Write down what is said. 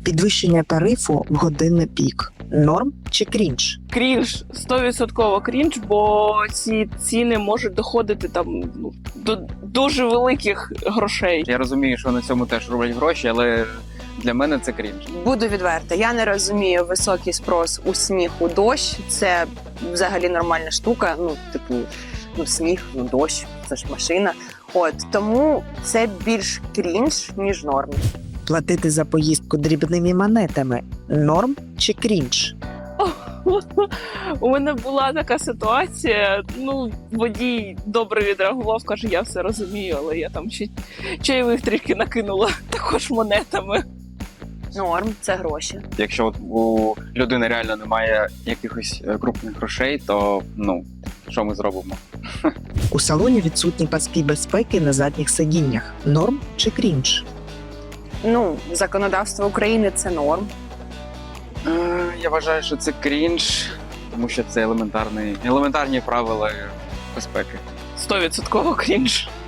Підвищення тарифу в годинний пік. Норм чи крінж? Крінж, 100% крінж, бо ці ціни можуть доходити там до дуже великих грошей. Я розумію, що на цьому теж роблять гроші, але для мене це крінж. Буду відверта, я не розумію високий спрос у сніг, у дощ. Це взагалі нормальна штука. Сніг, дощ, це ж машина. Тому це більш крінж, ніж норм. Платити за поїздку дрібними монетами. Норм чи крінж? У мене була така ситуація, водій добре відреагував, каже, я все розумію, але я там ще чайових трішки накинула, також монетами. Норм – це гроші. Якщо у людини реально немає якихось крупних грошей, то що ми зробимо? У салоні відсутні паски безпеки на задніх сидіннях. Норм чи крінж? Законодавство України – це норм. Я вважаю, що це крінж, тому що це елементарні правила безпеки. 100% крінж.